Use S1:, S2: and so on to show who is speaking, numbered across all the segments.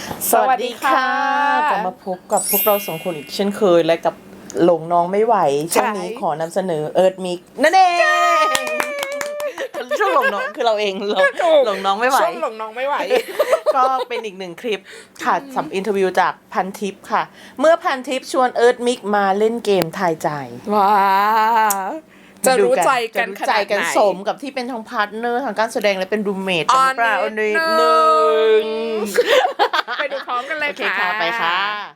S1: สวัสดีค่ะกลับมาพบกับพวกเราสองคนอีกเช่นเคยและกับหลงน้องไม่ไหวช่วงนี้ขอนำเสนอเอิร์ธมิกนั่นเองช่วงหลงน้องคือเราเองหลงน้องไม่ไหว
S2: ช่วงหลงน้องไม่ไหว
S1: ก็เป็นอีกหนึ่งคลิปค่ะสัมอินเทอร์วิวจากพันทิปค่ะ เมื่อพันทิปชวนเอิร์ธมิกมาเล่นเกมทายใจ
S2: ว้าจะรู้ใจกันข
S1: ใจ
S2: นาด
S1: กัน
S2: ไหน
S1: สมกับที่เป็นทั้งพาร์ทเนอร์ทางการแสดงและเป็นรูมเมท
S2: อ๋อ
S1: กันหรือเปล่า
S2: นิ
S1: อั
S2: ด
S1: นนี้
S2: นึง
S1: หนึ่ง
S2: ไปดูพร้อมกันเลย
S1: โอเค
S2: ค่ะ
S1: ค่ะไปค่ะ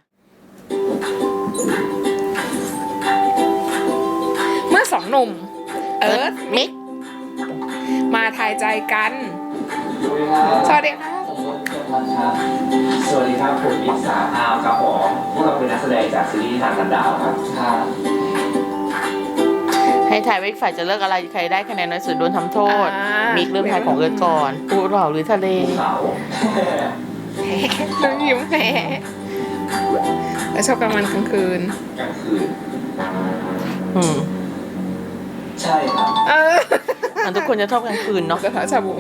S2: เมื่อสองหนุ่ม เอิร์ธ
S1: มิก
S2: มาทายใจกัน สวัสดีค่ะ
S3: ผมรถเกียรติพัฒน์ครับสวัสดีครับผมมิกสาอาวครับผมพวกเราเป็นนักแสดงจากซีรีส์ทางกันดาวครับครับ
S1: ให้ทายว่าอีกฝ่ายจะเลือกอะไรใครได้คะแนนน้อยสุดโดนทำโทษ มิกเริ่มทายของเอิร์ธก่อนภูเขาหรือทะเล
S3: ภูเขา
S2: ต้องยิ้มแหมแล้วชอบกลางวันกลางคืน
S3: กลางคืน
S1: อืม
S3: ใช่ครับ
S1: มันทุกคนจะชอบกลางคืนเนาะ
S2: กระทะชาบู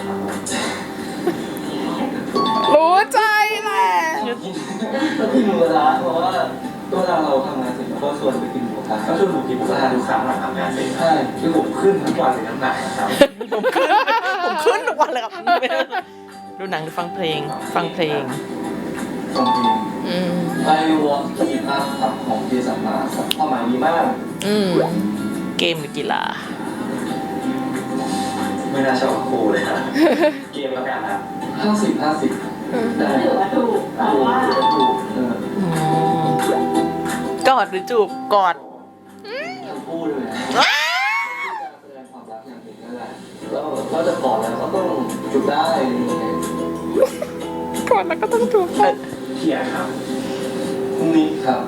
S2: รู้ใจแหละ
S3: ก็คือหมูกระทะเพราะว่าเวลาเราทำงานเสร็จเราก็ชวนไปกินหมูกระทะก็ชวนผมกินหมูกระทะทุกครั้งหลังทำงานเสร็จใช่คือผมขึ้นทั้งวันเลยน้ำหนักนะครับ
S1: ผมขึ้นทุกวันเลยครับ ดูหนังหรือฟังเพลง ฟังเพลง
S3: ตรงนี้
S2: อืม
S3: ไอวอลสกีอาร์ครับของเจสันมาครับความหมายดีมาก
S2: อืม
S1: เกมหรือกีฬา
S3: ไม่น่าชอบครูเลยนะ เกมแล้วกันนะ50-50ได้ถือว่าถูกแต่ว่าถูก
S1: กอดหรือจูบกอด
S3: ทั้งคู่เลยนะการแสดงความรักอย่างหนึ่งนั่นแหละเราจะกอดแล้วก็ต้องจูบได้
S2: ก่อนแล้วก็ต้องจูบ
S3: เขียนครับนิกครับ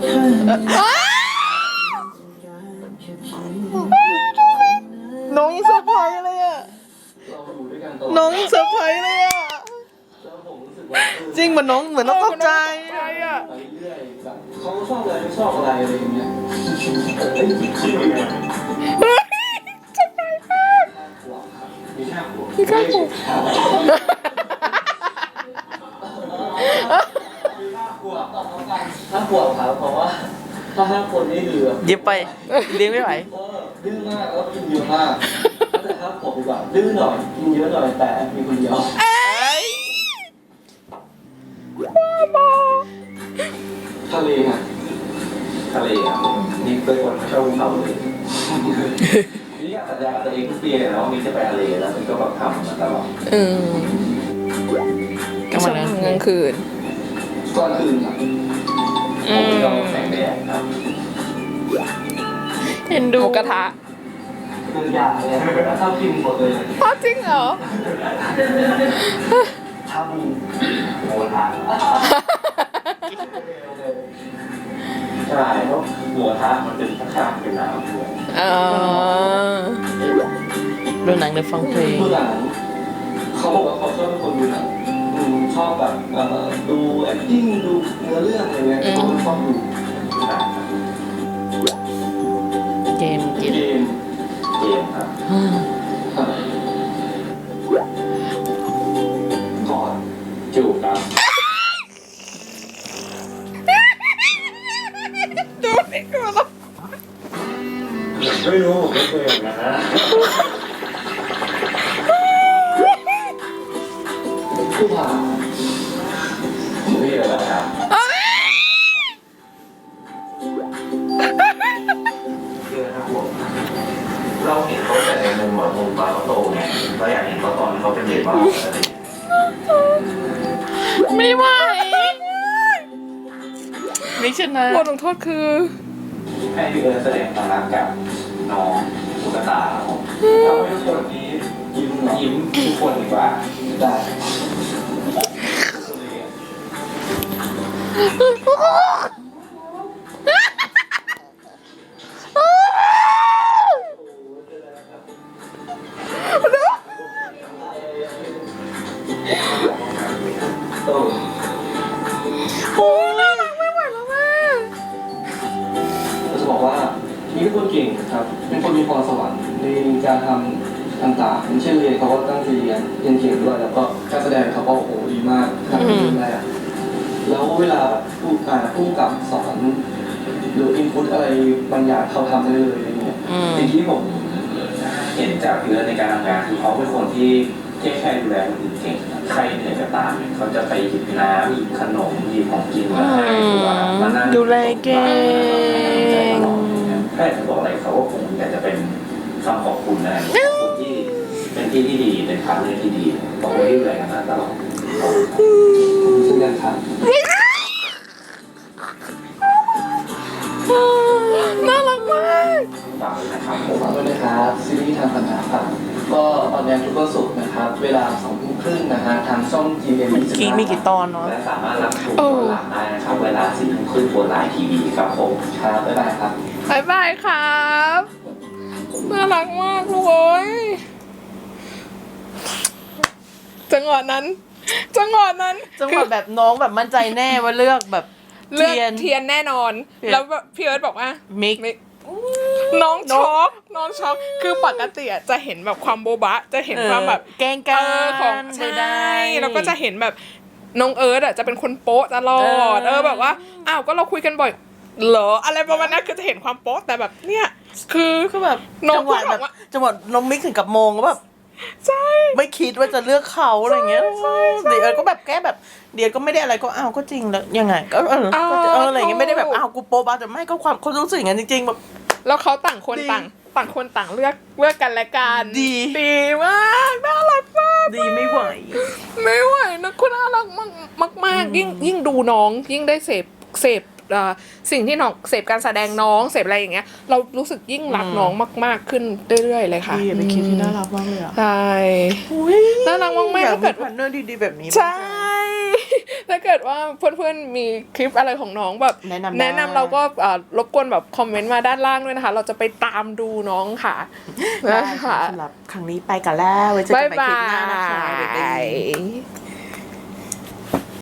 S1: น้องยังเซอร์ไพรส์เลยอะ
S3: เราอยู่ด้วยกันตลอด
S1: น้องยังเซอร์ไพรส์เลยอะ
S3: แล้วผมรู้สึกว่า
S1: จริงเหมือนน้องเข้าใจ
S2: ใจอ่ะ
S3: ไปเรื่อยแบบเขาชอบอะไรไม่ชอบอะไรอะไรอย่างเงี้ยเอ้ยคิดยังไง
S2: เฮ้ยจะไปมาก
S3: มีค่าหัว
S2: มีค่าหัว
S3: ถ้าขวบครับเพราะว่าถ้า5 คนนี่เหลือ
S1: เย็บไปเลี้ยงไม่ไหว
S3: ดื้อมากแล้วกินเยอะมากแต่ถ้าขวบดีกว่าดื้อหน่อยกินเยอะหน่อยแต่มีคนเดียวทะเลฮะทะเลอ่ะนี่เป็นคนชอบภูเขาเลยนี่อยากสัญญากับตัวเองทุกปีเลยนะว่ามีจะไปทะเลแล้วมันก็แบบทำมาตลอด
S2: อืม
S1: กลางวันกลางคืน
S2: กลางคืน
S3: ก่อนคืนครับผมไม่ยอมแสงแดดครับ
S1: เห็น
S2: ห
S1: ดู
S2: มูกระทะ
S3: คืออยากเลยชอบกินหมดเลย
S2: อ๋อจริงเหรอ
S3: ชอบกินโมทะใช่เพราะหมูกระทะมันเป็นข้างๆเป็นน้ำด้วย
S2: อ๋อ
S1: ดูหนังหรือฟังเพลง
S3: ดูหนังเขาบอกว่าเขาชอบเป็นคนดูหนังชอบแบบดู acting ดูเนื้อเรื่องอะไรเงี้ยเขาชอบดูหนัง
S1: เกมกีฬา
S3: เกมครับก่อนจูบครับ
S2: ดูนี่คือแบบ
S3: ไม่รู้ผมไม่เคยอย่างนั้นนะผู้ผ่าไม่เยอะแล้วครับเยอะครับผมเราเห็นเขาแต่ในมุมแบบมุมตอนเขาโตไงเราอยากเห็นเขาตอนเขาเป็นเด็กบ้างอะไร
S1: ไม่ไหวมิกชนะ
S2: บทลงโทษคือ
S3: ให้พี่เอิร์ธแสดงความรักกับน้องตุ๊กตาครับผมเราให้ทุกคนนี้ยิ้มทุกคนดีกว่าได้
S2: โอ้ยน่ารักไม่ไหวแล้วแม่
S3: เราจะบอกว่านี่เป็นคนเก่งครับ เป็นคนมีพรสวรรค์ในการทำต่างๆอย่างเช่นเรียนเขาก็ตั้งใจเรียนเก่งด้วยแล้วก็การแสดงเขาก็โอ้โหดีมากทำได้ดี
S4: แล้วเวลาผู้กำกับสอนหรืออินพุตอะไรบางอย่างเขาทำได้เลยอะไรเงี้ย
S3: สิ่งที่ผมเห็นจากพี่เอิร์ธในการทำงานคือเขาเป็นคนที่แค่ดูแลคนอื่นเก่งใครเหนื่อยก็ตามเขาจะไปหยิบน้ำหยิบขนมหยิบของกินมาให้หรือว่ามานั่ง
S1: ดูแลเก่ง
S3: แค่จะบอกอะไรเขาก็คงอยากจะเป็นคำขอบคุณนะขอบคุณที่เป็นที่ที่ดีเป็นพาร์ทเนอร์ที่ดีขอบคุณที่ดูแลกันมาตลอด
S4: ซึ่งกันครับ
S2: น่ารักมาก
S3: ฝากด้วยนะครับผม
S4: ฝากด้วยนะครับซีรีส์ทางปัญหาครับก็ออนแอร์ทุกวันศุกร์นะครับเวลา 20:30 นะฮะทางช่อง GMM25
S1: มีกี่ตอนเนาะ
S3: และสามารถรับชมย้อนหลังได้นะครับเวลา 4:30 นบนไลน์ทีวีครับผม
S4: ครับบ๊ายบายครับ
S2: บ๊ายบายครับน่ารักมากเลย จังหวะนั้น
S1: จังหวะแบบน้องแบบมั่นใจแน่ว่าเลือกแบบ
S2: เลือกเทียนแน่นอน แล้วพี่เอิร์ธบอกว่า
S1: มิก
S2: น้องช็อกคือปกติอะจะเห็นแบบความโบบะจะเห็นความแบบ
S1: แกล้งกัน
S2: ของใช่แล้วก็จะเห็นแบบน้องเอิร์ธอะจะเป็นคนโป๊ะตลอดแบบว่าอ้าวก็เราคุยกันบ่อยเหรออะไรประมาณนั้นคือจะเห็นความโป๊ะแต่แบบเนี่ยคือ
S1: คือแบบ
S2: น้อง
S1: จังหวะ
S2: พูด
S1: แบ
S2: แบบ บว่า
S1: จังหวะน้องมิกถึงกับมงก็แบบ
S2: ใช่
S1: ไม่คิดว่าจะเลือกเขาอะไรเงี้ยเดี๋ยวก็แบบแก้แบบเดี๋ยวก็ไม่ได้อะไรก็อ้าวก็จริงแล้วยังไงก็อะไรเงี้ยไม่ได้แบบอ้าวกูโป๊ะบ้าแต่ไม่ก็ความเขารู้สึกอย่างนั้นจริงๆแบบ
S2: แล้วเขาต่างคน
S1: ดี
S2: ต่างคนต่างเลือกกันและกัน
S1: ดี
S2: มากน่ารักมาก
S1: ดีไม่ไหว
S2: ไม่ไหวนะคุณน่ารักมากยิ่งดูน้องยิ่งได้เสพสิ่งที่น้องเสพการแสดงน้องเสพอะไรอย่างเงี้ยเรารู้สึกยิ่งรักน้องมากๆขึ้นเรื่อยๆเลยค่ะ
S1: ดีเป็นคลิปที่น่ารักมากเลยอ่ะ
S2: ใช่น่ารักมากๆ
S1: อยาก
S2: ถ้า
S1: มี
S2: เกิด
S1: พาร์ทเนอร์ดีๆแบบนี้
S2: ใช่ ถ้าเกิดว่าเพื่อนๆมีคลิปอะไรของน้องแบบ
S1: แนะนำได้
S2: แนะนำเราก็รบกวนแบบคอมเมนต์มาด้านล่างด้วยนะคะ เราจะไปตามดูน้องค่ะ
S1: ได้
S2: นะ
S1: ค่ะ
S2: คะ
S1: สำหรับครั้งนี้ไปกันแล้วไว้เจอกันใหม่คลิปหน้านะคะ
S2: บ๊ายบาย